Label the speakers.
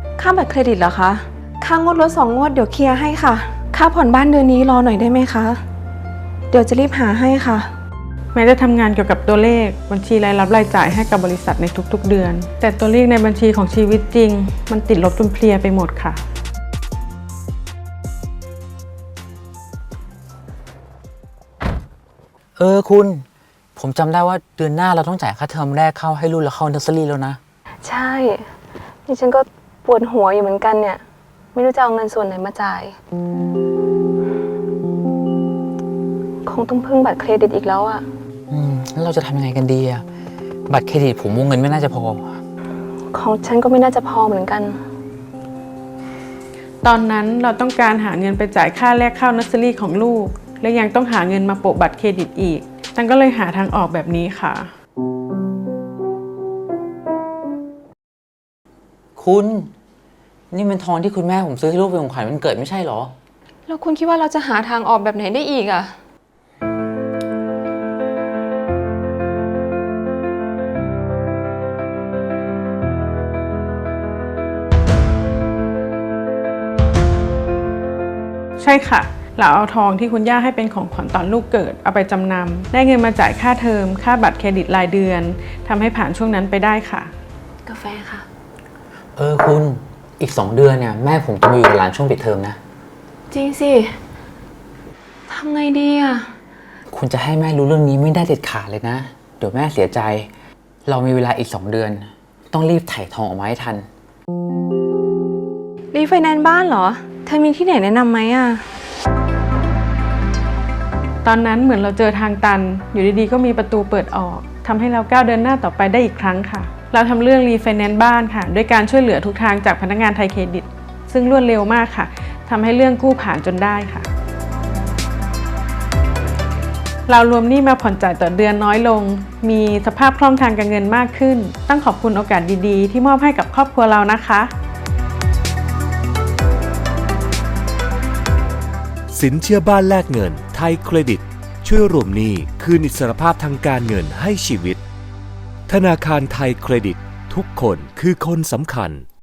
Speaker 1: ค่าบัตรเครดิตเหรอคะค่างวดรถ2 งวดเดี๋ยวเคลียร์ให้ค่ะค่าผ่อนบ้านเดือนนี้รอหน่อยได้ไหมคะเดี๋ยวจะรีบหาให้ค่ะ
Speaker 2: แม้จะทำงานเกี่ยวกับตัวเลขบัญชีรายรับรายจ่ายให้กับบริษัทในทุกๆเดือนแต่ตัวเลขในบัญชีของชีวิตจริงมันติดลบจนเพลียไปหมดค่ะ
Speaker 3: คุณผมจำได้ว่าเดือนหน้าเราต้องจ่ายค่าเทอมแรกเข้าให้รุ่นแล้วเข้าเนอร์เซอรี่แล้วนะ
Speaker 1: ใช่นี่ฉันก็ปวดหัวอยู่เหมือนกันเนี่ยไม่รู้จะเอาเงินส่วนไหนมาจ่ายคงต้องพึ่งบัตรเครดิตอีกแล้วอ่ะ
Speaker 3: แล้วเราจะทำยังไงกันดีอะบัตรเครดิตผมวงเงินไม่น่าจะพอ
Speaker 1: ของฉันก็ไม่น่าจะพอเหมือนกัน
Speaker 2: ตอนนั้นเราต้องการหาเงินไปจ่ายค่าแรกเข้าเนอร์เซอรี่ของลูกและยังต้องหาเงินมาโปะบัตรเครดิตอีกฉันก็เลยหาทางออกแบบนี้ค่ะ
Speaker 3: คุณนี่มันทองที่คุณแม่ผมซื้อให้ลูกเป็นของขวัญวันเกิดไม่ใช่หรอ
Speaker 1: แล้วคุณคิดว่าเราจะหาทางออกแบบไหนได้อีกอ่ะ
Speaker 2: ใช่ค่ะเราเอาทองที่คุณย่าให้เป็นของขวัญตอนลูกเกิดเอาไปจำนำได้เงินมาจ่ายค่าเทอมค่าบัตรเครดิตรายเดือนทำให้ผ่านช่วงนั้นไปได้ค่ะ
Speaker 1: กาแฟค่ะ
Speaker 3: คุณอีก2 เดือนเนี่ยแม่ผมจะมาอยู่กับหลานช่วงปิดเทอมนะ
Speaker 1: จริงสิทำไงดีอ่ะ
Speaker 3: คุณจะให้แม่รู้เรื่องนี้ไม่ได้เด็ดขาดเลยนะเดี๋ยวแม่เสียใจเรามีเวลาอีก2 เดือนต้องรีบไถ่ทองออกมาให้ทัน
Speaker 1: รีไฟแนนซ์บ้านเหรอเธอมีที่ไหนแนะนำไหมอ่ะ
Speaker 2: ตอนนั้นเหมือนเราเจอทางตันอยู่ดีๆก็มีประตูเปิดออกทำให้เราก้าวเดินหน้าต่อไปได้อีกครั้งค่ะเราทำเรื่องรีไฟแนนซ์บ้านค่ะด้วยการช่วยเหลือทุกทางจากพนักงานไทยเครดิตซึ่งรวดเร็วมากค่ะทำให้เรื่องกู้ผ่านจนได้ค่ะเรารวมหนี้มาผ่อนจ่ายต่อเดือนน้อยลงมีสภาพคล่องทางการเงินมากขึ้นต้องขอบคุณโอกาสดีๆที่มอบให้กับครอบครัวเรานะคะ
Speaker 4: สินเชื่อบ้านแลกเงินไทยเครดิตช่วยรวมหนี้คืนอิสรภาพทางการเงินให้ชีวิตธนาคารไทยเครดิตทุกคนคือคนสำคัญ